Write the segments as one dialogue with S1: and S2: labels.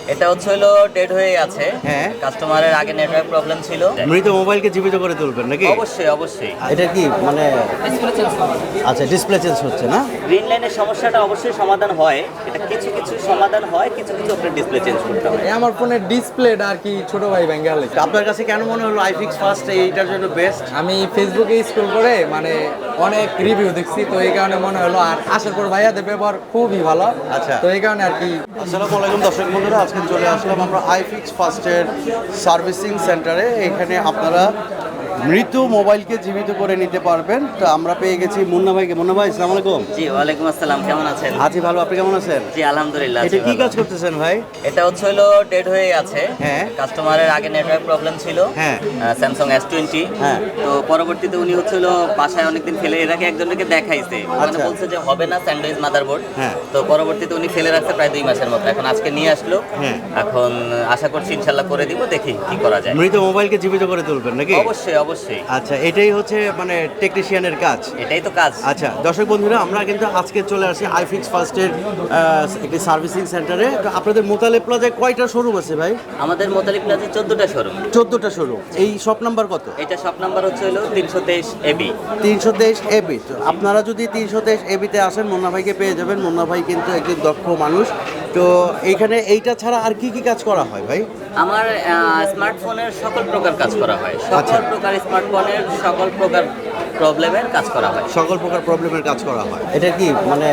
S1: এটা হচ্ছে হলো ডেড হয়ে আছে।
S2: হ্যাঁ।
S1: কাস্টমারের আগে নেটওয়ার্ক প্রবলেম ছিল।
S2: মৃত মোবাইলকে জীবিত করে তুলবেন নাকি?
S1: অবশ্যই অবশ্যই।
S2: এটা কি মানে আচ্ছা ডিসপ্লে চেঞ্জ হচ্ছে না?
S1: গ্রিন লাইনের সমস্যাটা অবশ্যই সমাধান হয়। এটা কিছু কিছু সমাধান হয়, কিছু কিছু আপনার ডিসপ্লে চেঞ্জ করতে হবে।
S3: আমার ফোনের ডিসপ্লেটা আর কি ছোট ভাই ভেঙে গেল।
S2: আপনার কাছে কেন মনে হলো আইফিক্স ফার্স্ট এইটার জন্য বেস্ট?
S3: আমি ফেসবুকে স্ক্রল করে মানে অনেক রিভিউ দেখছি, তো এই কারণে মনে হলো। আর আসার পর ভাইয়াদের ব্যবহার খুবই ভালো।
S2: আচ্ছা।
S3: তো এই কারণে আর কি।
S2: আসসালামু আলাইকুম দর্শক বন্ধুরা, আজকে চলে আসলাম আমরা আইফিক্স ফার্স্টের সার্ভিসিং সেন্টারে। এখানে আপনারা মৃত মোবাইলকে জীবিত করে নিতে পারবেন। তো আমরা পেয়ে গেছি মুন্না ভাইকে। মুন্না ভাই আসসালামু আলাইকুম।
S1: জি ওয়ালাইকুম আসসালাম, কেমন আছেন?
S2: আছি ভালো, আপনি কেমন আছেন?
S1: জি আলহামদুলিল্লাহ।
S2: এটা কি কাজ করতেছেন ভাই?
S1: এটা হচ্ছে হলো ডেড হয়ে আছে।
S2: হ্যাঁ।
S1: কাস্টমারের আগে নেটওয়ার্ক প্রবলেম ছিল।
S2: হ্যাঁ।
S1: Samsung S20।
S2: হ্যাঁ।
S1: তো পরবর্তীতে উনি হচ্ছে হলো বাসায় অনেকদিন ফেলে এর আগে একজনকে দেখাইছে, মানে
S2: আচ্ছা।
S1: বলছে যে হবে না স্যান্ডউইচ মাদারবোর্ড।
S2: হ্যাঁ।
S1: তো পরবর্তীতে উনি ফেলে রাখছে প্রায় 2 মাসের মতো। এখন আজকে নিয়ে আসলো।
S2: হ্যাঁ।
S1: এখন আশা করছি ইনশাল্লাহ করে দিব, দেখি কি করা যায়।
S2: মৃত মোবাইলকে জীবিত করে তুলবেন নাকি?
S1: অবশ্যই অবশ্যই,
S2: আচ্ছা, এটাই হচ্ছে মানে টেকনিশিয়ানের কাজ।
S1: এটাই তো কাজ।
S2: আচ্ছা দর্শক বন্ধুরা, আমরা কিন্তু আজকে চলে আসি আইফিক্স ফার্স্টের একটি সার্ভিসিং সেন্টারে। তো আপনাদের মোতালেব প্লাজায় কয়টা শোরুম আছে ভাই?
S1: আমাদের মোতালিব প্লাজা 14টা শোরুম।
S2: 14টা শোরুম। এই শপ নাম্বার কত?
S1: এটা শপ নাম্বার হচ্ছে হলো 323 AB।
S2: 323 এবি। তো আপনারা যদি 323 এবিতে আসেন, মুন্না ভাইকে পেয়ে যাবেন। মুন্না ভাই কিন্তু একজন দক্ষ মানুষ। তো এইখানে এইটা ছাড়া আর কি কি কাজ করা হয় ভাই?
S1: আমার স্মার্টফোনের সকল প্রকার কাজ করা হয়,
S2: আচ্ছা।
S1: সকল প্রকার স্মার্টফোনের সকল প্রকার প্রবলেমের কাজ করা হয়।
S2: সকল প্রকার প্রবলেমের কাজ করা হয়। এটা কি মানে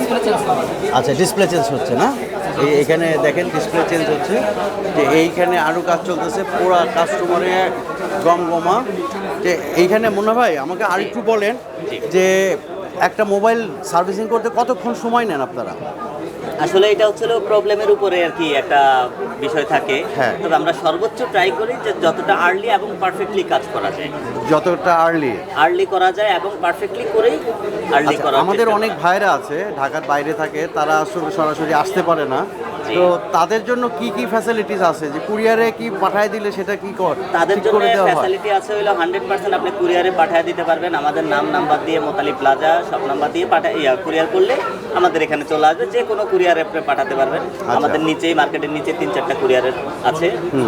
S2: আচ্ছা ডিসপ্লে চেঞ্জ হচ্ছে না? এখানে দেখেন ডিসপ্লে চেঞ্জ হচ্ছে। যে এইখানে আরও কাজ চলতেছে, পুরা কাস্টমারের গমগমা। যে এইখানে মুন্না ভাই আমাকে আরেকটু বলেন যে একটা মোবাইল সার্ভিসিং করতে কতক্ষণ সময় নেন আপনারা?
S1: আসলে এটা হচ্ছে প্রবলেমের উপরে আর কি একটা বিষয় থাকে।
S2: হ্যাঁ।
S1: তবে আমরা সর্বোচ্চ ট্রাই করি যে যতটা আর্লি এবং পারফেক্টলি কাজ করা যায়,
S2: যতটা
S1: আর্লি করা যায় এবং পারফেক্টলি করেই আর্লি করা।
S2: আমাদের অনেক ভাইরা আছে ঢাকার বাইরে থাকে, তারা আসলে সরাসরি আসতে পারে না।
S1: জি।
S2: তো তাদের জন্য কি কি ফ্যাসিলিটিস আছে? যে কুরিয়ারে কি পাঠায় দিলে সেটা কি
S1: তাদের
S2: ঠিক
S1: জন্য
S2: করে দেওয়া হয়?
S1: ফ্যাসিলিটি আছে হলো 100% আপনি কুরিয়ারে পাঠিয়ে দিতে পারবেন। আমাদের নাম্বার দিয়ে মোতালিব প্লাজা সব নাম্বার দিয়ে কুরিয়ার করলে আমাদের এখানে চলে আসবে। যে কোনো কুরিয়ারে আপনি পাঠাতে পারবেন। আমাদের নিচেই মার্কেটের নিচে 3-4টা কুরিয়ারের আছে।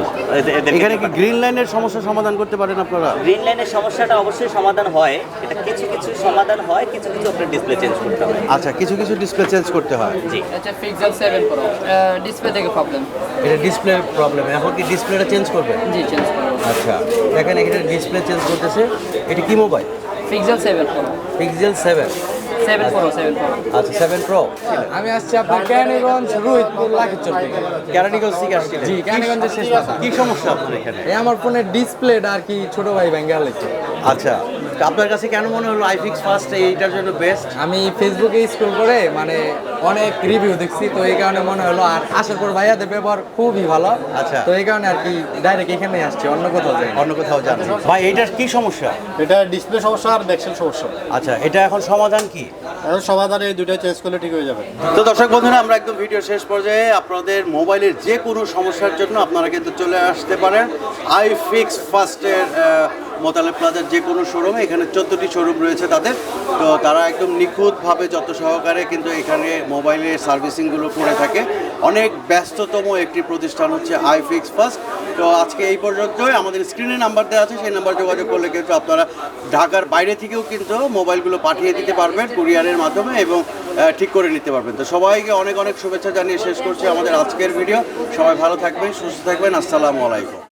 S2: এখানে কি গ্রিন লাইনের সমস্যা সমাধান করতে পারেন আপনারা?
S1: গ্রিন লাইনের সমস্যাটা অবশ্যই সমাধান হয়। এটা কিছু কিছু সমাধান হয়, কিছু কিছু আপনার ডিসপ্লে চেঞ্জ করতে হবে।
S2: আচ্ছা, কিছু কিছু ডিসপ্লে চেঞ্জ করতে হয়।
S1: জি।
S4: এটা পিক্সেল 7 প্রো ডিসপ্লে থেকে প্রবলেম।
S2: এটা ডিসপ্লে প্রবলেম, এখন কি ডিসপ্লেটা চেঞ্জ করবে?
S4: জি চেঞ্জ করব।
S2: আচ্ছা দেখেন এখানে ডিসপ্লে চেঞ্জ করতেছে। এটা কি mobile?
S4: Pixel 7 Pro
S2: Pixel 7।
S4: 7 Pro
S2: আচ্ছা 7 প্রো।
S3: আমি আসছি আপনার ক্যানিগঞ্জ রোহিতপুর লাখিচর থেকে।
S2: কেরানীগঞ্জ থেকে আসছিলেন?
S3: জি, কেরানীগঞ্জের শেষ মাথা।
S2: কি সমস্যা আপনার এখানে?
S3: আমার ফোনের ডিসপ্লেটা আর কি ছোট ভাই ভেঙে গেল।
S2: আচ্ছা, তো আপনার কাছে কেন মনে হলো আইফিক্স ফার্স্ট এইটার জন্য বেস্ট?
S3: আমি ফেসবুকে স্ক্রল করে মানে অনেক রিভিউ দেখছি, তো এই কারণে মনে হলো। আর আসার পর ভাইয়াদের ব্যবহার খুবই ভালো।
S2: আচ্ছা।
S3: তো এই কারণে আর কি ডাইরেক্ট এখানে আসছি, অন্য কোথাও যাই।
S2: অন্য কোথাও যাচ্ছি। ভাই এইটার কি সমস্যা?
S5: এটা ডিসপ্লে সমস্যা আর ব্যাকসেল সমস্যা।
S2: আচ্ছা, এটা এখন সমাধান কি?
S5: এখন সমাধানে এই দুটো চেঞ্জ করলে ঠিক হয়ে যাবে।
S2: তো দর্শক বন্ধুরা, আমরা একদম ভিডিও শেষ পর্যায়ে। আপনাদের মোবাইলের যে কোনো সমস্যার জন্য আপনারা কিন্তু চলে আসতে পারেন আইফিক্স ফার্স্টের মোতালেব প্লাজার যে কোনো শোরুমে। এখানে 14টি শোরুম রয়েছে তাদের। তো তারা একদম নিখুঁতভাবে যত সহকারে কিন্তু এখানে মোবাইলের সার্ভিসিংগুলো করে থাকে। অনেক ব্যস্ততম একটি প্রতিষ্ঠান হচ্ছে আইফিক্স ফার্স্ট। তো আজকে এই পর্যন্তই। আমাদের স্ক্রিনে নাম্বার দেওয়া আছে, সেই নাম্বার যোগাযোগ করলে কিন্তু আপনারা ঢাকার বাইরে থেকেও কিন্তু মোবাইলগুলো পাঠিয়ে দিতে পারবেন কুরিয়ারের মাধ্যমে এবং ঠিক করে নিতে পারবেন। তো সবাইকে অনেক অনেক শুভেচ্ছা জানিয়ে শেষ করছি আমাদের আজকের ভিডিও। সবাই ভালো থাকবেন, সুস্থ থাকবেন। আসসালামু আলাইকুম।